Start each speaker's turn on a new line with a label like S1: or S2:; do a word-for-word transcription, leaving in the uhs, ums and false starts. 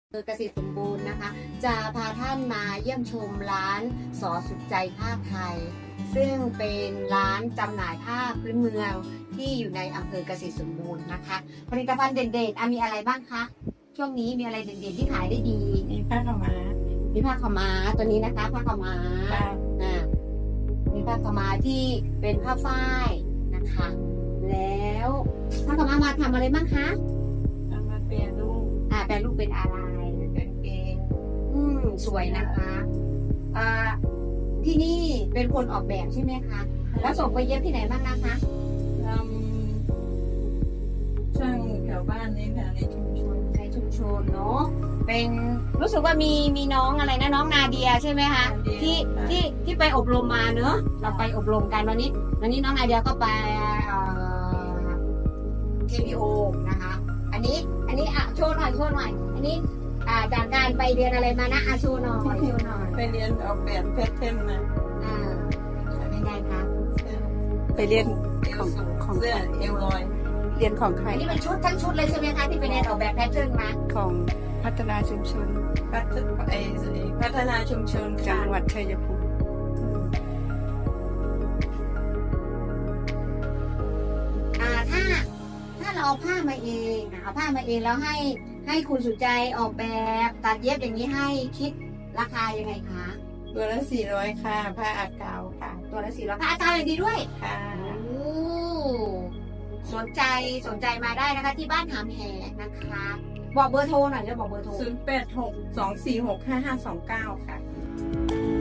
S1: เกษตรสมบูรณ์นะคะจะพาท่านมาเยี่ยมชมร้านสอสุดใจผ้าไทยซึ่งเป็นร้านจำหน่ายผ้าพื้นเมืองที่อยู่ในอำเภอเกษตรสมบูรณ์นะคะผลิตภัณฑ์เด่นๆอ่ะมีอะไรบ้างคะช่วงนี้มีอะไรเด่นๆที่ขายได้ดี
S2: มีผ้าขาวม้า
S1: มีผ้าขาวม้าตัวนี้นะคะผ้าขาวม้า
S2: ค่ะ
S1: อ่ามีผ้าขาวม้าที่เป็นผ้าฝ้ายนะคะแล้วผ้าขาวม้ามาทำอะไรบ้างคะ
S2: เอามาเปลี่ยนรูป
S1: อ่าแปลรูปเป็นอะไร
S2: เป็นเกง
S1: อืมสวยนะคะอ่าที่นี่เป็นคนออกแบบใช่ไหมคะ แล้วส่งไปเย็บที่ไหนบ้างนะคะ
S2: ทำช่างแถวบ้านนี้ค่ะในชุมชน
S1: ในชุมชนเนาะ เป็นรู้สึกว่ามีมีน้องอะไรนะน้องนาเดียใช่ไหมคะ ที่ที่ที่ไปอบรมมาเนอะเราไปอบรมกันวันนี้ วันนี้น้องนาเดียก็ไปเอ่อ เค พี โอ นะคะ อันนี้อันนี้อ่ะโชว์หน่อยโชว์หน่อย อันนี้อ่าจากการไปเรียนอะไรมานะอ่ะโชว์หน่อยโชว์หน่อย
S2: ไปเรียนออกแบบแพทเทิร์นมา
S1: อ่าเป็นไงคะ
S3: ไปเรียน
S2: เอวสูงเสื้อเอวลอย
S3: เรียนของใคร
S1: อันนี้เป็นชุดทั้งชุดเลยใช่ไหมคะที่ไปเรียนออกแบบแพทเทิร์นมา
S3: ของพัฒนาชุมชน
S2: พัฒนาไอ้พัฒนาชุมชน
S3: จั
S2: ค่ะ
S3: งหวัดชัยภูมิ
S1: อ่าถ้าถ้าเราเอาผ้ามาเองอ่ะเอาผ้ามาเองแล้วให้ให้คุณสุใจออกแบบตัดเย็บอย่างนี้ให้คิดราคายังไงคะ
S2: ตัวละสี่ร้อยค่ะ ผ้าอากาวค่ะ
S1: ตัวละสี่ร้อยผ้าอาจารย์อย่างดีด้วย
S2: ค่ะ
S1: โอ้สนใจสนใจมาได้นะคะ ที่บ้านหามแหนะคะ บอกเบอร์โทรหน่อยเดี๋ยวบอกเบอร์โทร
S2: ศูนย์แปดหกสองสี่หกห้าห้าสองเก้าค่ะ